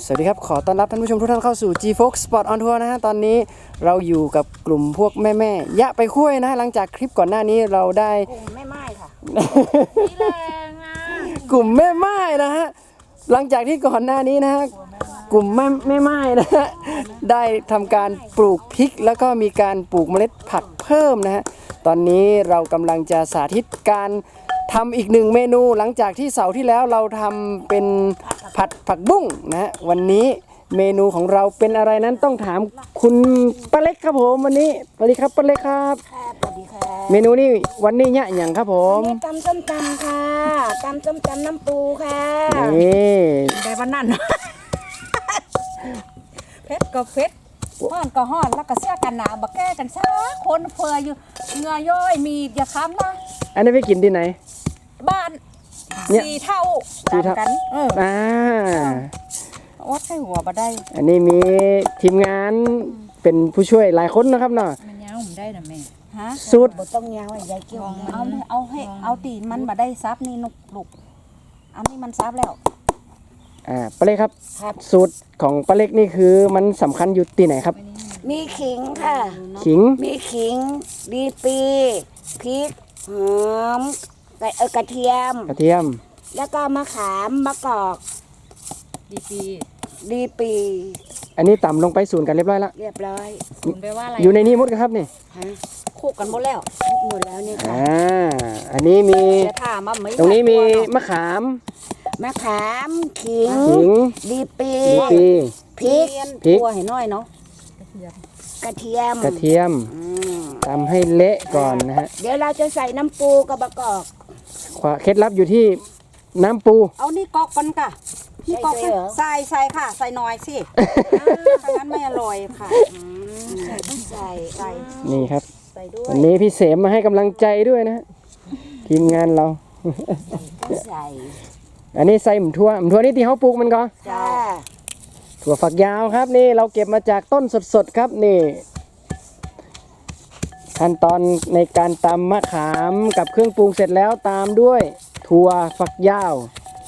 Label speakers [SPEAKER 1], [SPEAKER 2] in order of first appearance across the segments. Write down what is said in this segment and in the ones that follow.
[SPEAKER 1] สวัสดีครับขอต้อนรับท่านผู้ชมทุกท่านเข้าสู่ G-Fox Spot on Tour นะฮะตอนนี้เราอยู่กับกลุ่มพวกแม่ๆยะไปคุ้ยนะหลังจากคลิปก่อนหน้านี้เราได้
[SPEAKER 2] กลุ่มแม่ค่ะ
[SPEAKER 3] นี่แรงอ่ะ
[SPEAKER 1] กลุ่มแม่ไม้นะฮะหลังจากที่ก่อนหน้านี้นะฮะกลุ่มแม่ไม้นะฮะได้ทำการปลูกพริกแล้วก็มีการปลูกเมล็ดผักเพิ่มนะฮะตอนนี้เรากำลังจะสาธิตการทำอีกหนึ่งเมนูหลังจากที่เสาร์ที่แล้วเราทำเป็นผัดผักบุ้งนะฮะวันนี้เมนูของเราเป็นอะไรนั้นต้องถามคุณป้าเล็กครับผมวันนี้สวัสดีครับป้าเล็กครับ
[SPEAKER 2] ครับสวัสดีค่ะ
[SPEAKER 1] เมนูนี้วันนี้เนี่ยอย่างครับผม
[SPEAKER 2] นี่ตำส้มตำค่ะตำส้มตำน้ำปูค่ะ
[SPEAKER 1] นี่
[SPEAKER 3] ได้วันนั้นเพชรก็เพชรห้อนก็ห้อนแล้วก็เสื้อกันหนาวบักแก้กันซะคนเฟืออยู่เหงื่อย่อยมีอย่าค้ำนะ
[SPEAKER 1] อันนี้ไปกินที่ไหน
[SPEAKER 3] บ้านสี่เท่ากันวัดให้หัวมาได้
[SPEAKER 1] อันนี้มีทีมงานเป็นผู้ช่วยหลายคนนะครับเนาะ
[SPEAKER 3] มันยาวผมได้นะแม่
[SPEAKER 1] ฮะสูตร
[SPEAKER 2] ต้องยาวไอ้ยายเกี่ยว
[SPEAKER 3] เอาให้เอาตีนมันมาได้ซับนี่นุกลุกอันนี้มันซับแล้ว
[SPEAKER 1] ป้าเล็กครับสูตรของป้าเล็กนี่คือมันสำคัญอยู่ที่ไหนครับ
[SPEAKER 2] มีขิงค่ะ
[SPEAKER 1] ขิง
[SPEAKER 2] มีขิงดีปีพริกหอมกระเทียมแล้วก็มะขามมะกอกดีปี
[SPEAKER 1] อันนี้ต่ำลงไปศูนย์กันเรียบร้อยแล้ว
[SPEAKER 2] เรียบร้อย
[SPEAKER 3] ศูนย์แปลว่าอะไร
[SPEAKER 1] อยู่ในนี้หมดครับนี่
[SPEAKER 3] คู่กันหมดแล้ว
[SPEAKER 2] นี่ค่ะ
[SPEAKER 1] อันนี้มีตรงนี้มีมะขาม
[SPEAKER 2] ขิงดีปีพริก
[SPEAKER 3] ตัวให้น้อยเนาะ
[SPEAKER 2] กระเทียม
[SPEAKER 1] ตำให้เละก่อนนะฮะ
[SPEAKER 2] เดี๋ยวเราจะใส่น้ำปูกับมะกอก
[SPEAKER 1] เคล็ดลับอยู่ที่น้ำปู
[SPEAKER 3] เอานี่กอกกันค่ะนี่กอกใส่ค่ะใส่น้อยสิถ้างั้นไม่อร่อยค่ะ
[SPEAKER 2] ใส่
[SPEAKER 1] นี่ครับวันนี้พี่เสมมาให้กำลังใจด้วยนะทีมงานเรา
[SPEAKER 2] ใส่
[SPEAKER 1] อันนี้ใส่หมู่ทั่วนี่ที่เขาปลูกมันก็ถั่วฝักยาวครับนี่เราเก็บมาจากต้นสดๆครับนี่ขั้นตอนในการตำมะขามกับเครื่องปรุงเสร็จแล้วตามด้วยถั่วฝักยาว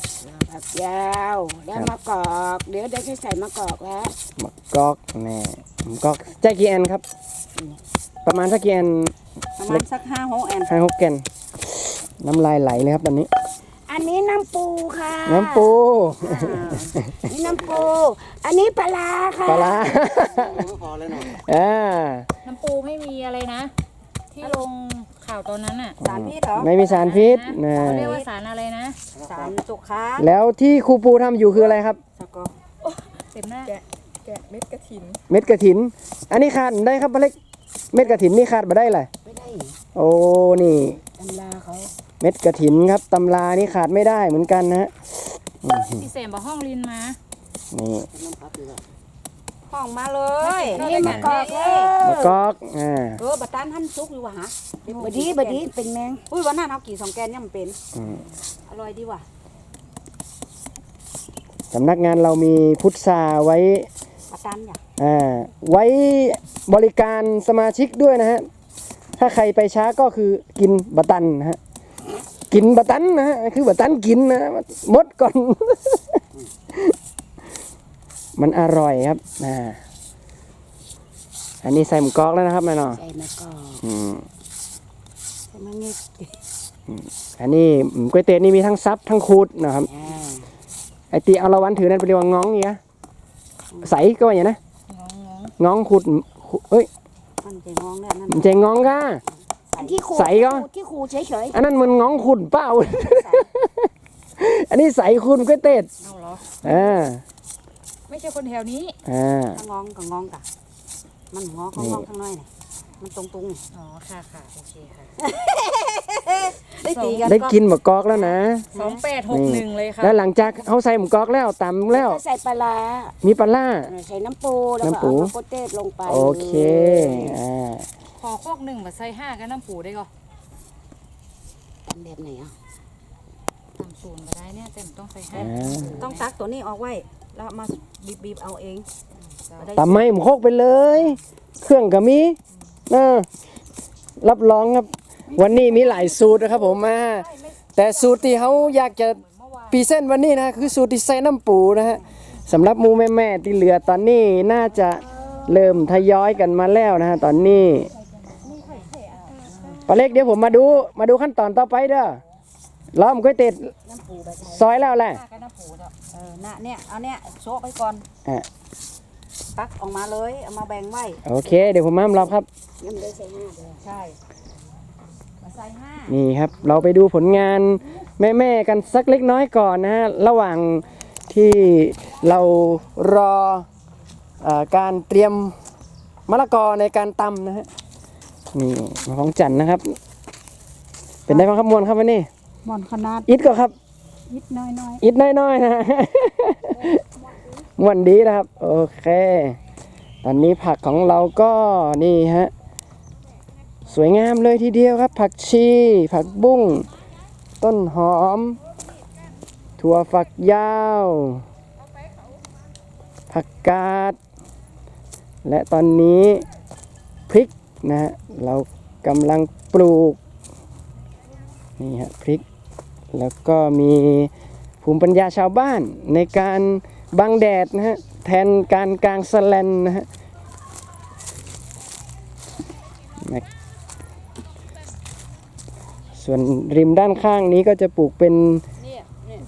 [SPEAKER 2] แล้วมะกอกเดี๋ยวได้ใส่มะกอกแล้ว
[SPEAKER 1] มะกอกนี่มะกอกแจ๊กกี่แอนครับประมาณสักกี่แอน
[SPEAKER 3] ประมาณสัก5-6 แอน
[SPEAKER 1] 5-6 แอนน้ำลายไหลเลยครับตอนนี้
[SPEAKER 2] อันนี้น้ำปูค่ะ
[SPEAKER 1] น้ำปู
[SPEAKER 2] นี่น้ำปูอันนี้ปลาค่ะ
[SPEAKER 1] ปลา
[SPEAKER 3] พอเลยหน่อยน้ำปูไม่มีอะไรนะที่ลงข่าวตอนนั้นอ่ะสารพิษเหรอ
[SPEAKER 1] ไม่มีสารพิษ
[SPEAKER 3] นะเขาเรียกว่าสารอะไรนะสารสุขา
[SPEAKER 1] แล้วที่ครูปูทำอยู่คืออะไรครับ
[SPEAKER 3] เต็มหน้าแกะเม็ดกระ
[SPEAKER 1] ถินอันนี้ขาดได้ครับป้าเล็กเม็ดกระถินนี่ขาดมาได้เลย
[SPEAKER 2] ไม่ได้
[SPEAKER 1] โอ้นี่
[SPEAKER 2] ตำราเขา
[SPEAKER 1] เม็ดกระถินครับตำรานี่ขาดไม่ได้เหมือนกันนะฮะ
[SPEAKER 3] พี่เสมบอกห้องลินมา
[SPEAKER 1] นี่
[SPEAKER 3] ห้องมาเลย
[SPEAKER 2] นี่มะกอก
[SPEAKER 3] บัตรท่านซุกอยู่วะฮะ
[SPEAKER 2] บดีเป็นแมง
[SPEAKER 3] อุ้ยวันนั้นเอากี่2 แกนเนี่ยมันเป็นอร่อยดีว่ะ
[SPEAKER 1] สำนักงานเรามีพุทราไว้
[SPEAKER 3] บัตรท่านอย่
[SPEAKER 1] าไว้บริการสมาชิกด้วยนะฮะถ้าใครไปช้าก็คือกินบัตรตันนะฮะกินบัตรตันนะฮะคือบัตรตันกินนะมดก่อนมันอร่อยครับอันนี้ใส่หมูกรอกแล้วนะครับแม่เนาะ
[SPEAKER 2] ใส่มะกอก
[SPEAKER 1] อันนี้ก๋วยเตี๋ยวนี่มีทั้งซับทั้งคูดนะครับไอตีเอาละวันถือนั่นเป็นเรียกว่าง้องนี่นะใสก็ว่าอย่างนะง้องคูดเฮ้ย
[SPEAKER 2] มันจะง้องเนี่ย
[SPEAKER 1] มันจะง้องก้าใสก็
[SPEAKER 2] ที่คูเฉย
[SPEAKER 1] ๆอันนั้นมันง้องคูดเปล่าอันนี้ใสคูดก๋วยเตี๋ยว
[SPEAKER 3] ไม่ใช่คนแถวนี้
[SPEAKER 2] งองกับงองกะมันงอข้างนอกข้างในเนี่ยมันตรง
[SPEAKER 3] อ๋อค่ะโอเคค่ะ
[SPEAKER 1] ได้กินหมูกรอกแล้วนะ
[SPEAKER 3] 2861เลยค่ะ
[SPEAKER 1] แล้วหลังจากเขาใส่หมูกรอกแล้วตำแล้ว
[SPEAKER 2] ใส่ปลา
[SPEAKER 1] มีปลา
[SPEAKER 2] ใส่น้ำปูแล้วก็เอาโปเต้ลงไป
[SPEAKER 1] โอเค
[SPEAKER 3] ขอโคก1มาใส่5กับน้ำปูได้ก่อน
[SPEAKER 2] ทำแบบไหนอ่ะ
[SPEAKER 3] ทำศูนย์มาได้เนี่ยแต่ต้องใส่5ต้องตักตัวนี้ออกไว้แล้วมาบีบเอาเอง
[SPEAKER 1] ตำไม่หมูโคกไปเลยเครื่องก็มีรับรองครับวันนี้มีหลายสูตรนะครับผมมาแต่สูตรที่เขาอยากจะพรีเซนต์วันนี้นะคือสูตรที่ใส่น้ำปูนะฮะสำหรับหมูแม่ๆที่เหลือตอนนี้น่าจะเริ่มทยอยกันมาแล้วนะฮะตอนนี้ปลาเล็กเดี๋ยวผมมาดูขั้นตอนต่อไปเด้อล้อมก๋วยเตี๋ยวซอยแล้วแหละ
[SPEAKER 3] กันน้ำปูเนาะน่ะเนี่ยเอาเนี่ยโชะไปก่อน
[SPEAKER 1] อ่ะ
[SPEAKER 3] ตักออกมาเลยเอามาแบ่งไว้
[SPEAKER 1] โอเคเดี๋ยวผมมารับครับ
[SPEAKER 2] ยังได้ใส่5เด้อ
[SPEAKER 3] ใช่มาใส่5
[SPEAKER 1] นี่ครับเราไปดูผลงานแม่ๆกันสักเล็กน้อยก่อนนะฮะระหว่างที่เรารอการเตรียมมะละกอในการตำนะฮะนี่มาของจันนะครับ เป็นได้บ้างครับมวลครับวันนี้
[SPEAKER 3] หมอนขนาด
[SPEAKER 1] อิดก็ครับ
[SPEAKER 3] นิดน้อย
[SPEAKER 1] อิดน้อยๆนะ มวนดีนะครับโอเคตอนนี้ผักของเราก็นี่ฮะสวยงามเลยทีเดียวครับผักชีผักบุ้งต้นหอมถั่วฝักยาวผักกาดและตอนนี้พริกนะฮะเรากำลังปลูกนี่ฮะพริกแล้วก็มีภูมิปัญญาชาวบ้านในการบังแดดนะฮะแทนการกางสแลนนะฮะส่วนริมด้านข้างนี้ก็จะปลูกเป็น
[SPEAKER 3] ๆเนี่ย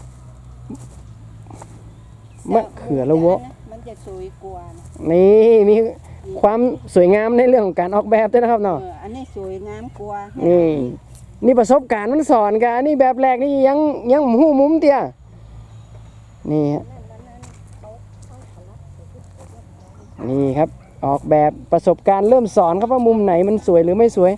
[SPEAKER 1] มะเขือละวะ
[SPEAKER 3] มันจะสวยกว่านะ
[SPEAKER 1] นี่มีความสวยงามในเรื่องของการออกแบบด้วยนะครับเนาะ
[SPEAKER 3] อันนี้สวยงามกว่า
[SPEAKER 1] นี่ประสบการณ์มันสอนกันอันนี่แบบแรกนี่ยังหูมุมเตี้ยนี่ฮะนี่ครับออกแบบประสบการณ์เริ่มสอนครับว่ามุมไหนมันสวยหรือไม่สวย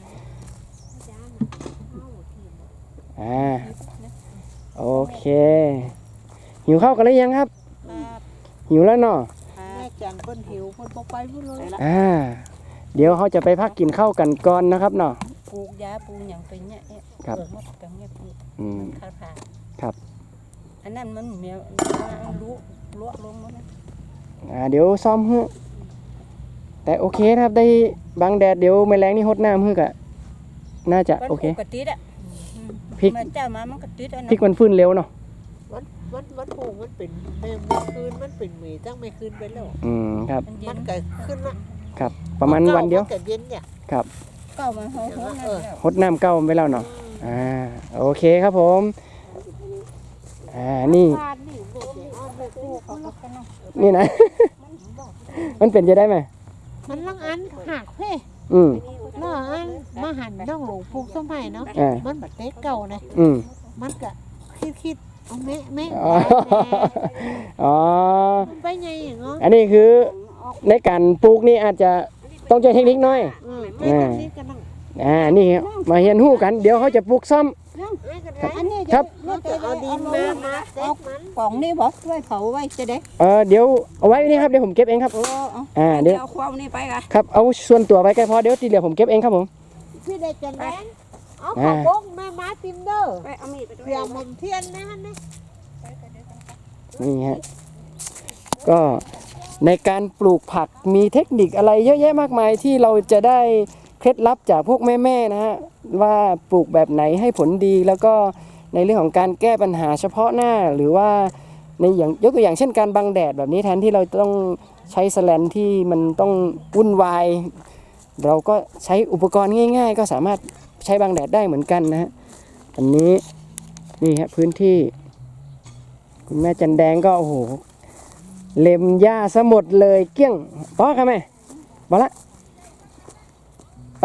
[SPEAKER 1] โอเคหิวข้าวกันหรือยังครับหิวแล้วเนาะ
[SPEAKER 3] แม่จังเพิ่นหิวเพิ่นบ่ไปพุ่นเลย
[SPEAKER 1] เดี๋ยวเขาจะไปพักกินข้าวกันก่อนนะครับเนาะ
[SPEAKER 3] ปลูกยาปลูกหยังเป็นเนี่ย
[SPEAKER 1] ครับ
[SPEAKER 3] หมดกังเนี่ยปลูก
[SPEAKER 1] ม
[SPEAKER 3] คาถา
[SPEAKER 1] ครับ
[SPEAKER 3] อันนั้นมันเมียรู้ลวกลงแล้วนะ
[SPEAKER 1] เดี๋ยวซ้อมฮึแต่โอเคนะครับได้บางแดดเดี๋ยวแมลงนี่หดน้ำฮึกะน่าจะโอเค
[SPEAKER 3] กระติดอ่ะ
[SPEAKER 1] พริก
[SPEAKER 3] มันเจ้ามามันกระติดอัน
[SPEAKER 1] พริกมันฟื้นเร็วเนาะ
[SPEAKER 4] มันผูกมันเป็นเมื่อคืนมันเป็นหมีตั้งไม่คืนไปแล้ว
[SPEAKER 1] ครับ
[SPEAKER 3] มันเย็
[SPEAKER 4] มัน นก็ขึ้นละ
[SPEAKER 1] ครับประมาณวันเดียว
[SPEAKER 4] มันก็เย็นเนี่ย
[SPEAKER 1] ครับ
[SPEAKER 3] เก้ามาโหนั่นแล้ว
[SPEAKER 1] หดน้ำเก้าไปแล้วเนาะโอเคครับผมนี่
[SPEAKER 4] ทานนี่แม่จะเอาไปปลูก
[SPEAKER 1] นี่นะ มันเป็นจะได้ไหม
[SPEAKER 4] มันลังอันหักเพ่
[SPEAKER 1] อืม
[SPEAKER 4] เนาะอันมาหันน้องหลวงปลูกสมัยเนาะ
[SPEAKER 1] อ่า
[SPEAKER 4] มันแบบเต๊เก่านะ
[SPEAKER 1] อืม
[SPEAKER 4] มันก็คิดเอาแม่
[SPEAKER 1] อ๋ออ๋อ
[SPEAKER 4] มันไปไงอย่างเงี้ย
[SPEAKER 1] อันนี้คือในการปลูกนี่อาจจะต้องใช้เทคนิคหน่อย
[SPEAKER 4] ไม่ต้องนี่กันนั่ง
[SPEAKER 1] นี่ครับมาเรียนรู้กันเดี๋ยวเขาจะปลูกซ้ำ
[SPEAKER 4] ไม่กันไร
[SPEAKER 3] อันนี้
[SPEAKER 1] ครับ
[SPEAKER 4] มันจะเอาดินมาเต๊กมัน
[SPEAKER 3] กล่องนี่บอกด้วยเผาไว้จะได้
[SPEAKER 1] เดี๋ยวเอาไว้นี่ครับเดี๋ยวผมเก็บเองครับเดี๋ยว
[SPEAKER 3] เอาความนี่ไปกัน
[SPEAKER 1] ครับเอาส่วนตัวไปแค่พอเดี๋ยวที่เหลือผมเก็บเองครับผม
[SPEAKER 4] พี่ได้จันแดงเอาขอบงแม่มาติมเด้อ
[SPEAKER 3] ไปเอามีดไปด้วย
[SPEAKER 4] เสียมเทียนนะฮะนี่
[SPEAKER 1] นี่ฮะก็ในการปลูกผักมีเทคนิคอะไรเยอะแยะมากมายที่เราจะได้เคล็ดลับจากพวกแม่ๆนะฮะว่าปลูกแบบไหนให้ผลดีแล้วก็ในเรื่องของการแก้ปัญหาเฉพาะหน้าหรือว่าในอย่างยกตัวอย่างเช่นการบังแดดแบบนี้แทนที่เราต้องใช้สแลนที่มันต้องวุ่นวายเราก็ใช้อุปกรณ์ง่ายๆ ก็สามารถใช้บังแดดได้เหมือนกันนะฮะอันนี้นี่ฮะพื้นที่คุณแม่จันแดงก็โอ้โหเล็มหญ้าซะหมดเลยเกี้ยงพอครับแม่บอละไป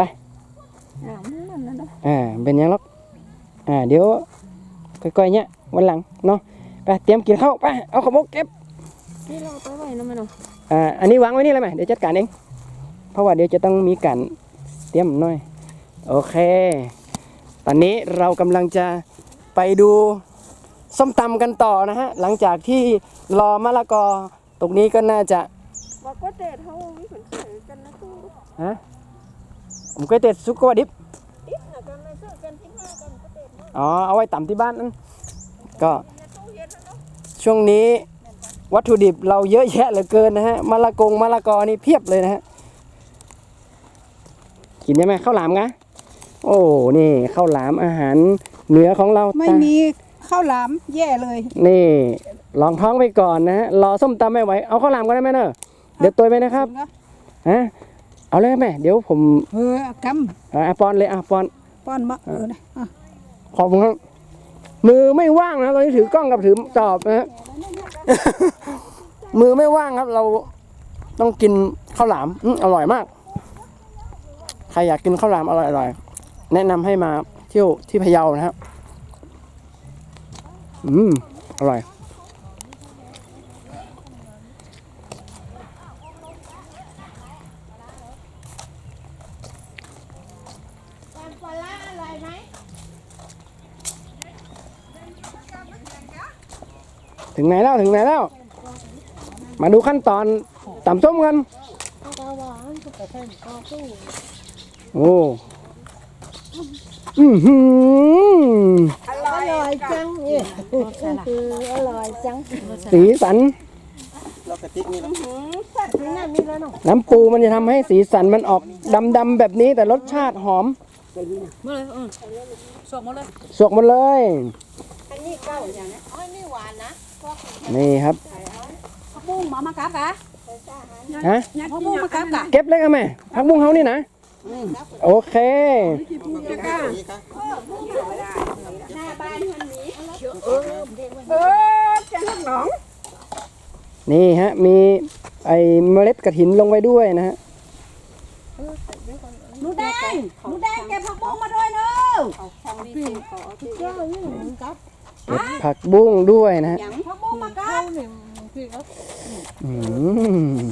[SPEAKER 1] เป็นยังล็อกเดี๋ยวค่อยๆเนี่ยวันหลังเนาะไปเตรียมกินข้าวไปเอาขมกเก็บ
[SPEAKER 3] นี่เราไปไว้นะแม่น้อง
[SPEAKER 1] อันนี้วางไว้นี่เลยไหมเดี๋ยวจัดการเองเพราะว่าเดี๋ยวจะต้องมีการเตรียมหน่อยโอเคตอนนี้เรากำลังจะไปดูส้มตำกันต่อนะฮะหลังจากที่รอมะละกอตรงนี้ก็น่าจะ
[SPEAKER 3] บอกว่าเด็ดเขามีผลเสียกันนะตู้
[SPEAKER 1] ผมก็เต็ดซุกกว่าดิบ
[SPEAKER 3] ดิบนะกันไม่ซื้อกันที่ห้ากันก็เด็ด
[SPEAKER 1] เอาไว้ต่ำที่บ้านนั่นก็ช่วงนี้วัตถุดิบเราเยอะแยะเหลือเกินนะฮะมะละกอนี่เพียบเลยนะฮะกินได้ไหมข้าวหลามกะโอ้นี่ข้าวหลามอาหารเหนือของเรา
[SPEAKER 3] ไม่มีข้าวหลามแย่เลย
[SPEAKER 1] นี่ลองท้องไปก่อนนะฮะรอส้มตำไม่ไหวเอาข้าวหลามก็ได้ไหมเนอะเดี๋ยวตัวไปนะครับฮะเอาเลยแม่เดี๋ยวผม
[SPEAKER 3] ก
[SPEAKER 1] ปอนเลยปอน
[SPEAKER 3] ำป้อนมะนะ
[SPEAKER 1] ขอบคุณครับมือไม่ว่างนะตอนนี้ถือกล้องกับถือจอบนะฮะ มือไม่ว่างครับ เราต้องกินข้าวหลามอร่อยมากใครอยากกินข้าวหลามอร่อยๆแนะนำให้มาเที่ยวที่พะเยานะครับอร่อยถึงไหนแล้ว มาดูขั้นตอนตำส้มกันโอ้
[SPEAKER 2] อร่อยจังนี่อร่อยจัง
[SPEAKER 1] สีสันน้ำปูมันจะทำให้สีสันมันออกดำๆแบบนี้แต่รสชาติหอม
[SPEAKER 3] มาเลยสวกมาเลย
[SPEAKER 1] สวกหมดเลย
[SPEAKER 2] อันนี้เก้าอย่างนี้อ๋อนี่หวานนะ
[SPEAKER 1] นี่ครับ
[SPEAKER 3] ผักบุ้งหมอมากับกะ
[SPEAKER 1] ฮะ
[SPEAKER 3] ผักบุ้งมากับกะ
[SPEAKER 1] เก็บเลยกันไหมผักบุ้งเฮานี่นะโอเค
[SPEAKER 2] หน้าบ้านคนนี้
[SPEAKER 3] จะหักหนอง
[SPEAKER 1] นี่ฮะมีไอเมล็ดกระถินลงไปด้วยนะฮะ
[SPEAKER 3] หนูแดงเก็บผักบุ้งมาด้วยเนอะ
[SPEAKER 1] เก็บผักบุ้งด้วยนะฮะ
[SPEAKER 3] ผักบุ้งมากับ
[SPEAKER 1] อืม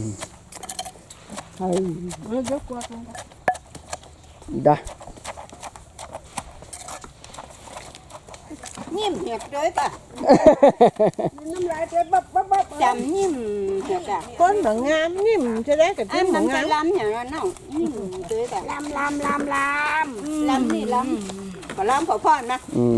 [SPEAKER 1] ดะ
[SPEAKER 2] นิ่มเหี่ยด้วยป่ะน้ำลายเจ๊บับจำนิ่มเหี่ยกะ
[SPEAKER 4] คนเหมือนงามนิ่มจะได้กับ
[SPEAKER 2] อั
[SPEAKER 4] จิ้
[SPEAKER 2] น
[SPEAKER 4] มเหมื
[SPEAKER 2] มั
[SPEAKER 4] อน น
[SPEAKER 2] จะ
[SPEAKER 4] งาม
[SPEAKER 2] ล้ำอย่างนั้นเนาะนิ่มด้วยแต่ล้ำนี่ล้ำขอล้ำขอพรนะ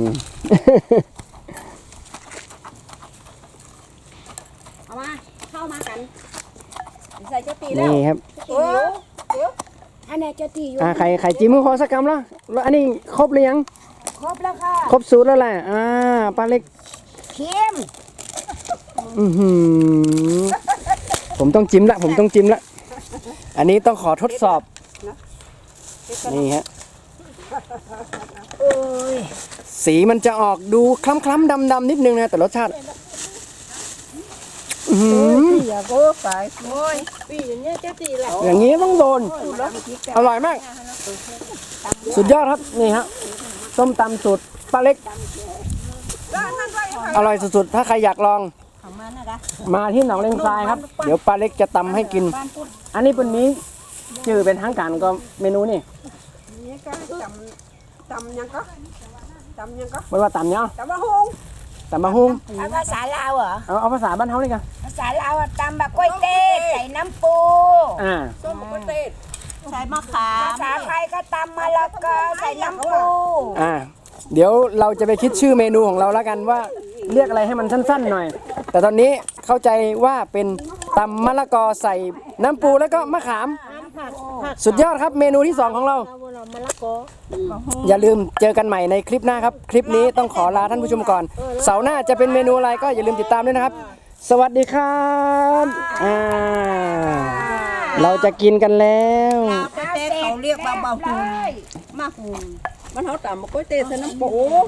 [SPEAKER 3] เอามาเข้ามากันใส่เจ้าตีแล้ว
[SPEAKER 1] นี่ครับ
[SPEAKER 2] อันนี้จะตีอยู่
[SPEAKER 1] ไข่จิ้มมือพอสักกรัมแล้วอันนี้ครบหรือยัง
[SPEAKER 2] ครบแล้วค่ะ
[SPEAKER 1] ครบสูตรแล้วแหละปลาเล็ก
[SPEAKER 2] เค็ม
[SPEAKER 1] ผมต้องจิ้มละอันนี้ต้องขอทดสอบนี่ฮะสีมันจะออกดูคล้ำๆดำๆนิดนึงนะแต่รสชาติ
[SPEAKER 4] อย่าโก้ไปโอ้ยปีอย่างเงี้ยจะตีแหละ
[SPEAKER 1] อย่างนี้ต้องโดนอร่อยมาก สุดยอดครับนี่ฮะส้มตำสูตรปลาเล็กอร่อยสุดๆถ้าใครอยากลองมาที่หนองเลงทรายครับเดี๋ยวปลาเล็กจะตำให้กิน อันนี้เป็นนี้ชื่อเป็นทางการก็เมนูนี่
[SPEAKER 3] นี่ก็จำยังก็
[SPEAKER 1] ไม่ว่าตำเนาะ
[SPEAKER 3] จำว่าฮง
[SPEAKER 1] ตำมะฮุ่ง
[SPEAKER 2] เอาภาษาลาวเหรอ
[SPEAKER 1] เอาภาษาบ้านเฮานี่กัน
[SPEAKER 2] ภาษาลาวตำแบบกล้วยเต้ใส่น้ำปู
[SPEAKER 3] ส้มมะเขือใส่มะขา
[SPEAKER 2] ภาม ษาไทยก็ตำมะละกอใส่น้ำปู
[SPEAKER 1] เดี๋ยวเราจะไปคิดชื่อเมนูของเราแล้วกันว่าเรียกอะไรให้มันสั้นๆหน่อย แต่ตอนนี้เข้าใจว่าเป็นตำมะละกอใส่น้ำปูแล้วก็มะขาม สุดยอดครับเมนูที่ 2 ของเรา อย่าลืมเจอกันใหม่ในคลิปหน้าครับ คลิปนี้ต้องขอลาท่านผู้ชมก่อน เสาร์หน้าจะเป็นเมนูอะไรก็อย่าลืมติดตามด้วยนะครับ สวัสดีครับเราจะกินกันแล้ว
[SPEAKER 3] เต้เขาเรียกว่าบะฮุงมะฮุงมันเขาตำมะกล้วยเต้ใส่น้ำปู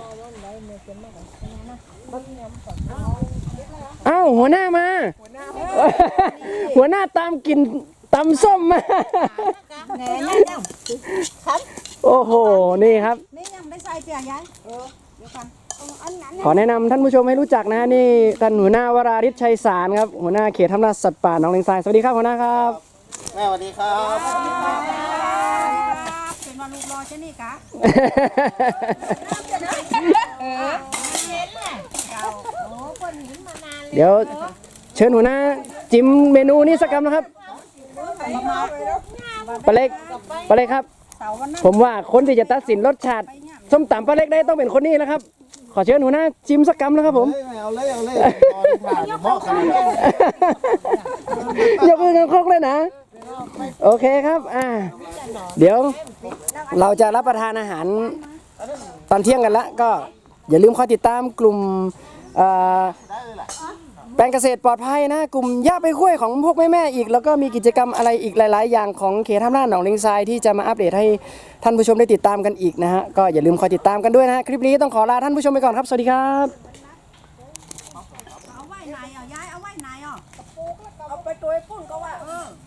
[SPEAKER 1] เอ้าหัวหน้ามา หัวหน้าตามกินตำส้มมา
[SPEAKER 3] แหน่นั่นยัง
[SPEAKER 1] โอ้โหนี่ครับ
[SPEAKER 3] นี่ยังได้ใส่เปียกยัยเดี๋ยวกัน
[SPEAKER 1] ขอแนะนำท่านผู้ชมให้รู้จักนะนี่ท่านหัวหน้าวราริศชัยสารครับหัวหน้าเขตทำนาสัตว์ป่าหนองเลงทรายสวัสดีครับหัวหน้าครับ
[SPEAKER 5] แม่สวัสดีครับ
[SPEAKER 3] เป็นวันลูกรอใช่นี่กะ
[SPEAKER 1] เดี๋ยวเชิญหัวหน้าจิ้มเมนูนี้สักคำนะครับปลาเล็กครับ ผมว่าคนที่จะตัดสินรสชาติส้มตำปลาเล็กได้ต้องเป็นคนนี้นะครับ ขอเชิญหัวหน้าจิ้มสักคำนะครับผม
[SPEAKER 5] เอาเลยตอนผ่านเหมาะขนาดนี้
[SPEAKER 1] ยกมือกันครกเลยนะ โอเคครับเดี๋ยวเราจะรับประทานอาหารตอนเที่ยงกันละก็อย่าลืมคอยติดตามกลุ่มแปลงเกษตรปลอดภัยนะกลุ่มย่าไปคุ้ยของพวกแม่ๆอีกแล้วก็มีกิจกรรมอะไรอีกหลาย ๆ อย่างของเขตท่าน้าหนองเลงทรายที่จะมาอัปเดตให้ท่านผู้ชมได้ติดตามกันอีกนะฮะก็อย่าลืมคอยติดตามกันด้วยนะฮะคลิปนี้ต้องขอลาท่านผู้ชมไปก่อนครับสวัสดีครับ
[SPEAKER 3] เอาไว้ไหนอ่ะยายเอาไว้ไหนอ่ะ
[SPEAKER 4] เอาไปตัวไอ้พุ่นก็ว่า